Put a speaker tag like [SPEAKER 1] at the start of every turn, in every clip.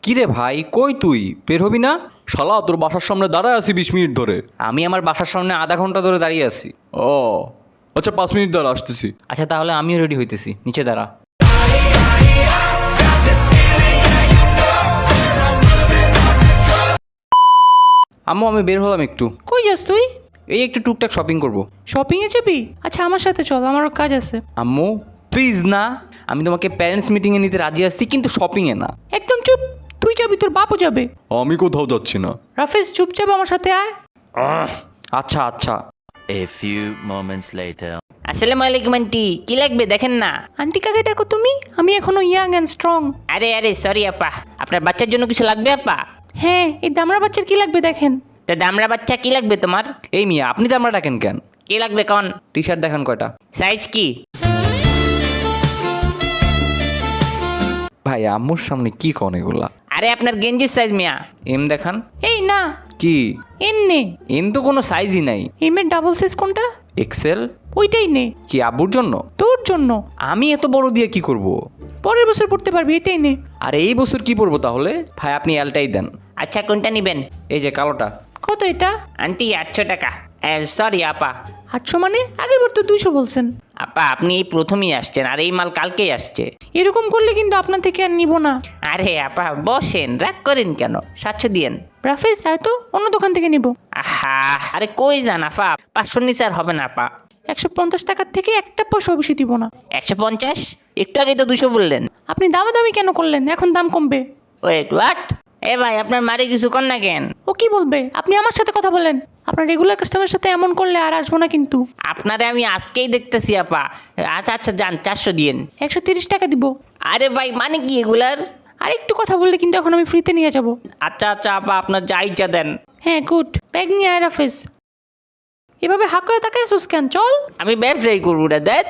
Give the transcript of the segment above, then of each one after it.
[SPEAKER 1] কিরে ভাই, কই তুই বের হবি না?
[SPEAKER 2] শালা তোর বাসার সামনে দাঁড়ায় আছি 20 মিনিট ধরে।
[SPEAKER 1] আমি আমার বাসার সামনে আধা ঘন্টা ধরে দাঁড়িয়ে আছি।
[SPEAKER 2] ও আচ্ছা, 5 মিনিট দাঁড়া, আসতেছি।
[SPEAKER 1] আচ্ছা তাহলে আমিও রেডি হইতেছি, নিচে দাঁড়া। আম্মু আমি বের হলাম একটু।
[SPEAKER 3] কই যাস তুই?
[SPEAKER 1] এই একটু টুকটাক শপিং করব।
[SPEAKER 3] শপিংয়ে যাবি? আচ্ছা আমার সাথে চল, আমারও কাজ আছে।
[SPEAKER 1] আম্মু প্লিজ না, আমি তোমাকে প্যারেন্টস মিটিংয়ে নিতে রাজি আছি, কিন্তু শপিংয়ে না।
[SPEAKER 3] একদম চুপ। তুই যাবি, তোর বাপও যাবে।
[SPEAKER 2] আমি কোথাও যাচ্ছি না।
[SPEAKER 3] রাফেজ চুপচাপ আমার সাথে আয়।
[SPEAKER 1] আচ্ছা আচ্ছা।
[SPEAKER 4] A few moments later.
[SPEAKER 5] আসসালামু আলাইকুম আন্টি, কি লাগবে দেখেন না।
[SPEAKER 3] আন্টি কাকে ডাকো তুমি? আমি এখনো ইয়াং অ্যান্ড স্ট্রং।
[SPEAKER 5] আরে সরি আপা, আপনার বাচ্চার জন্য কিছু লাগবে আপা?
[SPEAKER 3] হ্যাঁ, এই দামড়া বাচ্চার কি লাগবে দেখেন।
[SPEAKER 5] তো দামড়া বাচ্চা কি লাগবে তোমার?
[SPEAKER 1] এই মিয়া, আপনি তো আমরা ডাকেন কেন?
[SPEAKER 5] কি লাগবে কন?
[SPEAKER 1] টি শার্ট দেখান কয়টা।
[SPEAKER 5] সাইজ কি?
[SPEAKER 1] ভাই আম্মুর সামনে কি কন এগুলা?
[SPEAKER 5] আরে আপনার গেঞ্জির সাইজ মিয়া।
[SPEAKER 1] এম দেখান।
[SPEAKER 3] এই না,
[SPEAKER 1] কি
[SPEAKER 3] এন নে।
[SPEAKER 1] এম তো কোনো সাইজই নাই।
[SPEAKER 3] এমের ডাবল সাইজ কোনটা?
[SPEAKER 1] এক্সেল।
[SPEAKER 3] ওইটাই নে।
[SPEAKER 1] কি আব্বুর জন্য?
[SPEAKER 3] তোর জন্য।
[SPEAKER 1] আমি এত বড় দিয়ে কি করব?
[SPEAKER 3] পরের বছর পড়তে পারবি, এটাই নে।
[SPEAKER 1] আর এই বছর কি পরবো তাহলে? ভাই আপনি এলটাই দেন।
[SPEAKER 5] আচ্ছা কোনটা নেবেন?
[SPEAKER 1] এই যে কালোটা।
[SPEAKER 3] কত এটা?
[SPEAKER 5] আন্টি 800 টাকা। সরি আপা।
[SPEAKER 3] 800 মানে? আগের বার তো 200 বলছেন।
[SPEAKER 5] আপা আপনি এই প্রথমেই আসছেন, আর এই মাল কালকেই আসছে।
[SPEAKER 3] এরকম করলে কিন্তু আপনার থেকে আর নিব না।
[SPEAKER 5] আরে আপা বসেন, রাগ করেন কেন? 700 দিয়েন।
[SPEAKER 3] রাফেজ আয় তো, অন্য দোকান থেকে নিব।
[SPEAKER 5] আহা, আরে কই যান আপা, 500 নিচে আর হবে না আপা।
[SPEAKER 3] 150 টাকার থেকে একটা পয়সা বেশি দিব না।
[SPEAKER 5] 150? একটু আগেই তো 200 বললেন।
[SPEAKER 3] আপনি দামাদামি কেন করলেন? এখন দাম কমবে।
[SPEAKER 5] Wait what? এ ভাই আপনার মারি কিছু কর না কেন?
[SPEAKER 3] ও কি বলবে? আপনি আমার সাথে কথা বলেন। আপনার রেগুলার কাস্টমারের সাথে এমন করলে আর আসবো না কিন্তু।
[SPEAKER 5] আপনারে আমি আজকেই দেখতেছি আপা। আচ্ছা যান, 400 দিয়েন।
[SPEAKER 3] 130 টাকা দিব।
[SPEAKER 5] আরে ভাই মানে কি এগুলার?
[SPEAKER 3] আর একটু কথা বললে কিন্তু এখন আমি ফ্রিতে নিয়ে যাব।
[SPEAKER 5] আচ্ছা আপা, আপনার যা ইচ্ছা দেন।
[SPEAKER 3] হ্যাঁ গুড, ব্যাগ নিয়ে আয় রাফেজ। এভাবে হাঁক করে তাকায় আসুস কেন? চল।
[SPEAKER 5] আমি ব্যবসায়ী করবো রে, দেখ।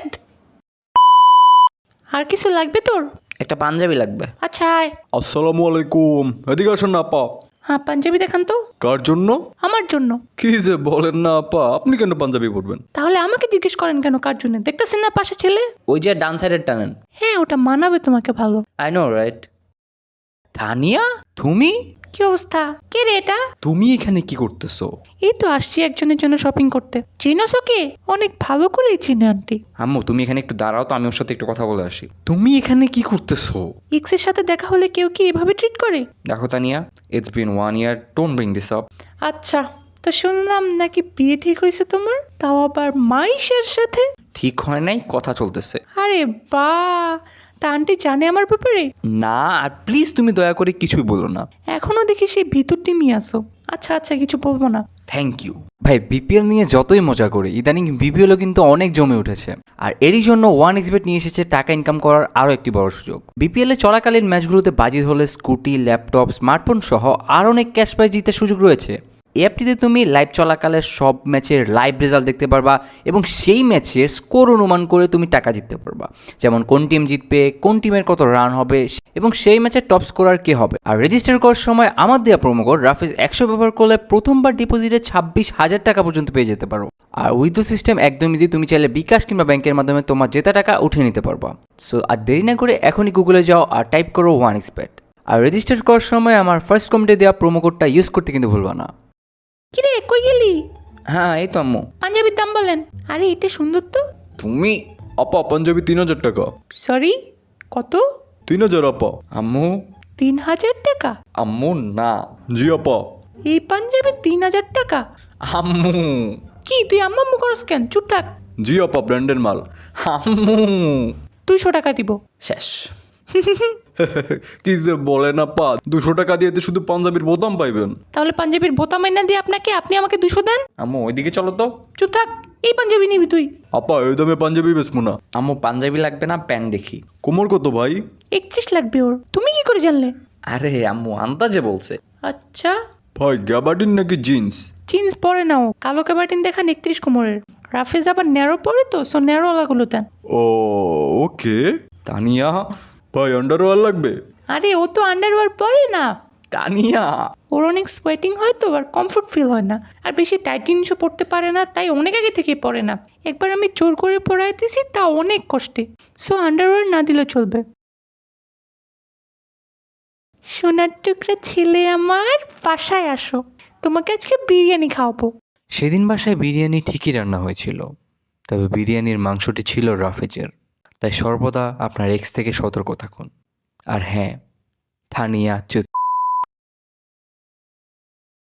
[SPEAKER 3] আর কিছু লাগবে তোর?
[SPEAKER 1] একটা পাঞ্জাবি লাগবে।
[SPEAKER 3] আচ্ছা আয়।
[SPEAKER 2] আসসালামু আলাইকুম, এদিকে আসেন না আপা।
[SPEAKER 3] হ্যাঁ পাঞ্জাবি দেখান তো।
[SPEAKER 2] কার জন্য?
[SPEAKER 3] আমার জন্য।
[SPEAKER 2] কি যে বলেন না আপা, আপনি কেন পাঞ্জাবি পরবেন?
[SPEAKER 3] তাহলে আমাকে জিজ্ঞেস করেন কেন কার জন্য? দেখতেছেন না পাশে ছেলে?
[SPEAKER 1] ওই যে ডান সাইডের টানেন।
[SPEAKER 3] হ্যাঁ ওটা মানাবে তোমাকে ভালো।
[SPEAKER 1] I know right. তানিয়া, তুমি
[SPEAKER 3] কি অবস্থা? কে রে এটা?
[SPEAKER 1] তুমি এখানে কি করতেছো?
[SPEAKER 3] এই তো আসছি একজনের জন্য শপিং করতে। চিনোস ওকে? অনেক ভালো করেই চিনে আন্টি।
[SPEAKER 1] আম্মু তুমি এখানে একটু দাঁড়াও তো, আমি ওর সাথে একটু কথা বলে আসি। তুমি এখানে কি করতেছো?
[SPEAKER 3] এক্সের সাথে দেখা হলে কেউ কি এভাবে ট্রিট করে?
[SPEAKER 1] দেখো Tania, it's been 1 year, don't bring this up.
[SPEAKER 3] আচ্ছা, তো শুনলাম নাকি বিয়ে ঠিক হয়েছে তোমার, তাও আবার মাইশের সাথে।
[SPEAKER 1] ঠিক হয় নাই, কথা চলতেছে।
[SPEAKER 3] আরে বা, তা আন্টি জানে আমার ব্যাপারে?
[SPEAKER 1] না, আর প্লিজ তুমি দয়া করে কিছুই বলো না।
[SPEAKER 3] এখনো দেখি সেই ভিতর টিমই আসো। আচ্ছা কিছু বলবো না।
[SPEAKER 1] Thank you. ভাই বিপিএল নিয়ে যতই মজা করি, ইদানিং বিপিএলও কিন্তু অনেক জমে উঠেছে। আর এরই জন্য 1xBet নিয়ে এসেছে টাকা ইনকাম করার আরও একটি বড় সুযোগ। বিপিএল এ চলাকালীন ম্যাচগুলোতে বাজি হলে স্কুটি, ল্যাপটপ, স্মার্টফোন সহ আর অনেক ক্যাশ প্রাইজ জিতার সুযোগ রয়েছে। এই অ্যাপটিতে তুমি লাইভ চলাকালে সব ম্যাচের লাইভ রেজাল্ট দেখতে পারবা এবং সেই ম্যাচের স্কোর অনুমান করে তুমি টাকা জিততে পারবা। যেমন কোন টিম জিতবে, কোন টিমের কত রান হবে এবং সেই ম্যাচের টপ স্কোরার কে হবে। আর রেজিস্টার করার সময় আমার দেওয়া প্রোমো কোড রাফেজ 100 ব্যবহার করলে প্রথমবার ডিপোজিটে 26,000 টাকা পর্যন্ত পেয়ে যেতে পারো। আর উইথ দ্য সিস্টেম একদমই ইজি, তুমি চাইলে বিকাশ কিংবা ব্যাংকের মাধ্যমে তোমার জেতা টাকা উঠিয়ে নিতে পারবা। সো আর দেরি না করে এখনই গুগলে যাও আর টাইপ করো 1xBet। আর রেজিস্টার করার সময় আমার ফার্স্ট কমেন্টে দেওয়া প্রোমো কোডটা ইউজ করতে কিন্তু ভুলবা না।
[SPEAKER 3] কিরে কই গেলি?
[SPEAKER 1] হ্যাঁ এই তো আম্মু।
[SPEAKER 3] পাঞ্জাবির দাম বলেন। আরে এটা সুন্দর তো।
[SPEAKER 1] তুমি?
[SPEAKER 2] আপা পাঞ্জাবি 3000 টাকা।
[SPEAKER 3] সরি, কত?
[SPEAKER 2] 3000 আপা।
[SPEAKER 1] আম্মু।
[SPEAKER 3] 3000 টাকা?
[SPEAKER 1] আম্মু না।
[SPEAKER 2] জি আপা।
[SPEAKER 3] এই পাঞ্জাবি 3000 টাকা?
[SPEAKER 1] আম্মু।
[SPEAKER 3] কি তুই আম্মা আম্মু করস কেন? চুপ থাক।
[SPEAKER 2] জি আপা, ব্র্যান্ডের মাল।
[SPEAKER 1] আম্মু।
[SPEAKER 3] 200 টাকা দিব।
[SPEAKER 1] শেষ।
[SPEAKER 2] কি যে বলেন আপা, 200 টাকা দিয়ে তো শুধু পাঞ্জাবির বোতাম পাইবেন।
[SPEAKER 3] তাহলে পাঞ্জাবির বোতাম এনে দিয়ে আপনাকে, আপনি আমাকে 200 দেন।
[SPEAKER 1] আম্মু ওইদিকে চলো তো।
[SPEAKER 3] চুপ থাক, এই পাঞ্জাবি নিবি তুই?
[SPEAKER 2] আপা এই দামে পাঞ্জাবি বেচবো না।
[SPEAKER 1] আম্মু পাঞ্জাবি লাগবে না, প্যান্ট দেখি।
[SPEAKER 2] কোমর কত ভাই?
[SPEAKER 3] 31 লাগবে ওর। তুমি কি করে জানলে?
[SPEAKER 1] আরে আম্মু আন্দাজে বলছে।
[SPEAKER 3] আচ্ছা,
[SPEAKER 2] ভাই গ্যাবার্ডিন নাকি জিন্স?
[SPEAKER 3] জিন্স পরে নাও, কালো ক্যাবাটিন দেখান 31 কোমরের। রাফেজ আবার ন্যারো পরে তো, সো ন্যারো ওলাগুলো দেন।
[SPEAKER 2] ও ওকে।
[SPEAKER 1] তানিয়া।
[SPEAKER 2] ভাই আন্ডারওয়্যার লাগবে?
[SPEAKER 3] আরে ও তো আন্ডারওয়্যার পরে না।
[SPEAKER 1] তানিয়া।
[SPEAKER 3] ওর অনেক সোয়েটিং হয় তো, আর কমফোর্ট ফিল হয় না, আর বেশি টাইট জিনিসও পরতে পারে না, তাই অনেক আগে থেকেই পরে না। একবার আমি জোর করে পরাইতেছি, তা অনেক কষ্টে। সো আন্ডারওয়্যার না দিলে চলবে। সোনার টুকরা ছেলে আমার, বাসায় আসো, তোমাকে আজকে বিরিয়ানি খাওয়াবো।
[SPEAKER 1] সেদিন বাসায় বিরিয়ানি ঠিকই রান্না হয়েছিল, তবে বিরিয়ানির মাংসটি ছিল রাফেজের। তাই সর্বদা আপনার এক্স থেকে সতর্ক থাকুন। আর হ্যাঁ, থানিয়া